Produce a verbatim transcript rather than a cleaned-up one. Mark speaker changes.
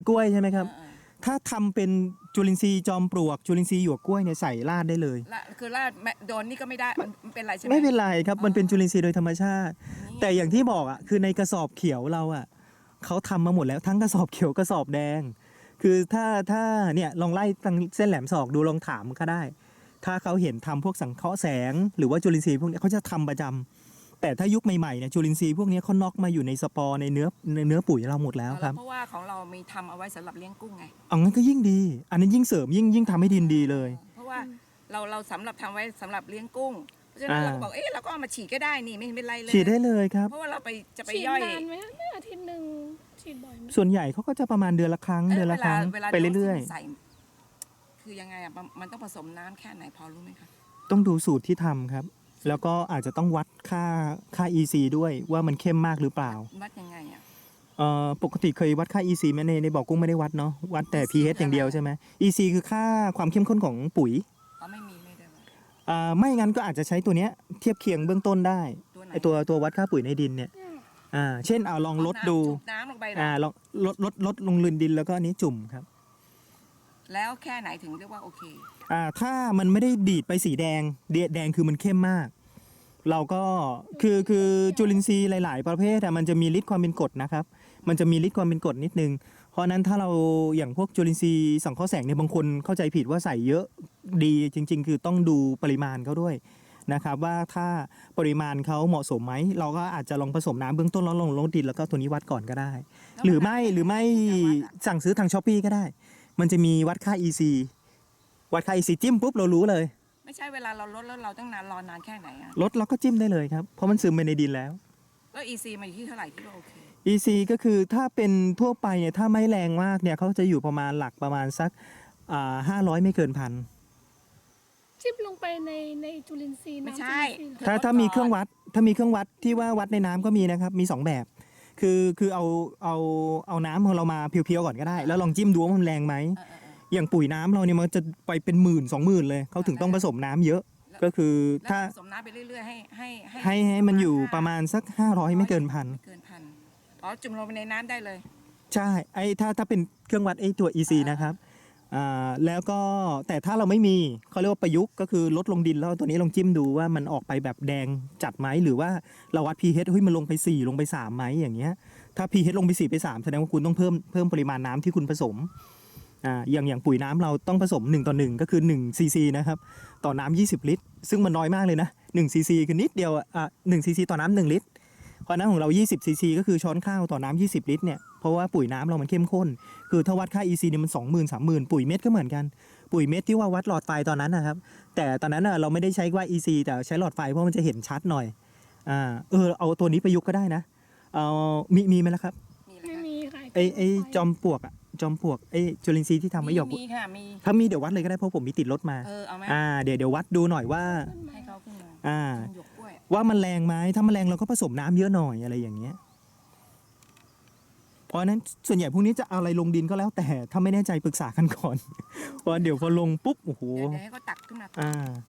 Speaker 1: กล้วยใช่ไหมครับ
Speaker 2: เออ
Speaker 1: ถ้าทำเป็นจุลินทรีย์จอมปลวกจุลินทรีย์หยวกกล้วยเนี่ยใส่ราดได้เลย
Speaker 2: ละคือลาดแม่โดนนี่ก็ไม่ได้มันเป็นไรใช่ไหม
Speaker 1: ไม่เป็นไรครับ
Speaker 2: อ๋อ
Speaker 1: มันเป็นจุลินทรีย์โดยธรรมชาติ
Speaker 2: นี่
Speaker 1: แต่อย่างที่บอกอ่ะคือในกระสอบเขียวเราอ่ะเขาทำมาหมดแล้วทั้งกระสอบเขียวกระสอบแดง คือถ้าถ้าเนี่ยลองไล่ทางเส้นแหลมศอกดูลองถามก็ได้ ถ้าเขาเห็นทำพวกสังเคราะห์แสง หรือว่าจุลินทรีย์พวกนี้เขาจะทำประจำแต่ถ้ายุคใหม่ๆเนี่ยจุลินทรีย์พวกนี้เขาน็อกมาอยู่ในสปอร์ในเนื้อในเนื้อปุ๋ยเราหมดแล้วครับ
Speaker 2: เพราะว่าของเรามีทำเอาไว้สำหรับเลี้ยงกุ้งไง
Speaker 1: เอางั้นก็ยิ่งดี อันนั้นยิ่งเสริมยิ่งยิ่งทำให้ดินดีเลย
Speaker 2: เพราะว่าเราเราสำหรับทำไว้สำหรับเลี้ยงกุ้งเพราะฉะนั้น
Speaker 1: อ่า
Speaker 2: เราก็บอกเอ๊ะเราก็เอามาฉีดก็ได้นี่ไม่เป็นไรเลย
Speaker 1: ฉีดได้เลยครับ
Speaker 2: เพราะว่าเราไปจะไป
Speaker 3: ฉีด
Speaker 2: ย่อย
Speaker 3: นานไหมไม่อาทิตย์หนึ่งฉีดบ่อยไหม
Speaker 1: ส่วนใหญ่เขาก็จะประมาณเดือนละครั้ง
Speaker 2: เอ้ย
Speaker 1: เดือนละครั้ง
Speaker 2: เวลา
Speaker 1: ไปเรื่อย
Speaker 2: โดสที่มันใส่คือยังไงอ่ะมันมันต้องผสมน้ำแค่ไหนพอรู้ไหมคะ
Speaker 1: ๆ ต้องดูสูตรที่ทำครับ แล้วก็อาจจะต้องวัดค่าค่า อี ซี ด้วยว่ามันเข้มมากหรือเปล่า
Speaker 2: วัดยังไงอ่ะ
Speaker 1: เอ่อปกติเคยวัดค่า อี ซี ไหมในในบ่อกุ้งไม่ได้วัดเนาะวัดแต่ pH อย่างเดียวใช่ไหม อี ซี คือค่าความเข้มข้นของปุ๋ย
Speaker 2: เขาไม่มีไม่ได้วัด
Speaker 1: อ่าไม่งั้นก็อาจจะใช้ตัวเนี้ยเทียบเคียงเบื้องต้นได้
Speaker 2: ตัวไหน
Speaker 1: ไอตัวตัววัดค่าปุ๋ยในดินเนี่ยอ่าเช่นเอาลองลดดู
Speaker 2: สูบน้ำลงไปเหรอ
Speaker 1: อ่าลองลดลดลดลงลืนดินแล้วก็อันนี้จุ่มครับ
Speaker 2: แล้วแค่ไหนถึงเรียกว่าโอเค
Speaker 1: อ่าถ้ามันไม่ได้ดีดไปสีแดงเดแดงคือมันเข้มมาก เราก็คือคือจุลินทรีย์หลาย ๆ ประเภทอะมันจะมีฤทธิ์ความเป็นกรดนะครับ มันจะมีฤทธิ์ความเป็นกรดนิดนึง เพราะฉะนั้นถ้าเราอย่างพวกจุลินทรีย์สังเคราะห์แสงเนี่ยบางคนเข้าใจผิดว่าใส่เยอะดีจริง ๆ คือต้องดูปริมาณเขาด้วยนะครับ ว่าถ้าปริมาณเขาเหมาะสมไหมเราก็อาจจะลองผสมน้ำเบื้องต้นแล้วลงลงดินแล้วก็ตัวนี้วัดก่อนก็ได้ หรือไม่หรือไม่สั่งซื้อทางช้อปปี้ก็ได้ มันจะมีวัดค่า อี ซี วัดค่า อี ซี จิ้มปุ๊บเรารู้เลย
Speaker 2: ไม่ใช่เวลาเราลดแล้วเราต้องนานรอนานแค่ไหนอ่ะ
Speaker 1: ลดเราก็จิ้มได้เลยครับ เพราะมันซึมไปในดินแล้ว
Speaker 2: แล้ว อี ซี มาอยู่ที่เท่าไหร่ที่ว่าโอเค
Speaker 1: อี ซี ก็คือถ้าเป็นทั่วไปเนี่ยถ้าไม่แรงมากเนี่ยเขาจะอยู่ประมาณหลักประมาณสักอ่าห้าร้อยไม่เกินพัน
Speaker 3: จิ้มลงไปในในจุลินทรีย์
Speaker 2: ไม่
Speaker 3: น้ำ
Speaker 2: ใช่
Speaker 3: จุลินทรีย์เหรอ
Speaker 1: ถ้าถ้ามีเครื่องวัดถ้ามีเครื่องวัดที่ว่าวัดในน้ำก็มีนะครับมีสองแบบ คือคือเอาเอาเอาน้ำของเรามาเพียวๆก่อนก็ได้ แล้วลองจิ้มดูว่ามันแรงไหม
Speaker 2: เออเออเออ
Speaker 1: อย่างปุ๋ยน้ำเราเนี่ยมันจะไปเป็นหมื่นสองหมื่นเลยเขาถึงต้องผสมน้ำเยอะ ก็คือ
Speaker 2: แล้ว
Speaker 1: ถ้า
Speaker 2: ผสมน้ำไปเรื่อยๆให้ให้
Speaker 1: ให้ให้มันอยู่ประมาณสักห้าร้อยไม่เกินพัน
Speaker 2: ไม่เกินพันอ๋อจุ่มลงไปในน้ำได้เลย
Speaker 1: ใช่ไอ้ถ้าถ้าเป็นเครื่องวัดไอ้ตัว อี ซี นะครับอ่าแล้วก็แต่ถ้าเราไม่มีเขาเรียกว่าประยุกต์ก็คือลดลงดินแล้วเอาตัวนี้ลองจิ้มดูว่ามันออกไปแบบแดงจัดไหมหรือว่าเราวัด pH เฮ้ยมันลงไปสี่ลงไปสามไหมอย่างเงี้ยถ้า pH ลงไปสี่ไปสามแสดงว่าคุณต้องเพิ่มเพิ่มปริมาณน้ำที่คุณผสมอ่าอย่างอย่างปุ๋ยน้ำเราต้องผสมหนึ่งต่อหนึ่งก็คือหนึ่งซีซีนะครับต่อน้ำยี่สิบลิตรซึ่งมันน้อยมากเลยนะหนึ่งซีซีคือนิดเดียวอ่ะหนึ่งซีซีต่อน้ำหนึ่งลิตร เพราะน้ำของเรายี่สิบซีซีก็คือช้อนข้าวต่อน้ำยี่สิบลิตรเนี่ย เพราะว่าปุ๋ยน้ำเรามันเข้มข้น คือถ้าวัดค่า อี ซี เนี่ยมัน สองหมื่น สามหมื่น ปุ๋ยเม็ดก็เหมือนกัน ปุ๋ยเม็ดที่ว่าวัดหลอดไฟตอนนั้นนะครับ แต่ตอนนั้นน่ะเราไม่ได้ใช้ว่า อี ซี แต่ใช้หลอดไฟเพราะมันจะเห็นชัดหน่อย อ่า เออ เอาตัวนี้ประยุกต์ก็ได้นะ เอามีมีไหมล่ะครับ
Speaker 2: มี
Speaker 3: ไม่
Speaker 2: ไหม
Speaker 3: มีค่ะ
Speaker 1: ไอไอจอมปลวกอะจอมปลวกไอจุลินทรีย์ที่ทำไว้หยอก
Speaker 2: มีค่ะมี
Speaker 1: ถ้ามีเดี๋ยววัดเลยก็ได้เพราะผมมีติดรถมา
Speaker 2: เออเอาไหม
Speaker 1: อ่า เดี๋ยวเดี๋ยววัดดูหน่อยว่า
Speaker 2: ให้เขาขึ้นมา
Speaker 1: อ่า
Speaker 2: หยกกล้วย
Speaker 1: ว่ามันแรงไหมถ้ามันแรงเราก็ผสมน้ำเยอะหน่อยอะไรอย่างเงี้ย เพราะฉะนั้นส่วนใหญ่พวกนี้จะเอาอะไรลงดินก็แล้วแต่ถ้าไม่แน่ใจปรึกษากันก่อน เพราะเดี๋ยวพอลงปุ๊บโอ้โห
Speaker 2: เดี๋ยวเดี๋ยวให้เขาตักขึ้นมา
Speaker 1: อ่า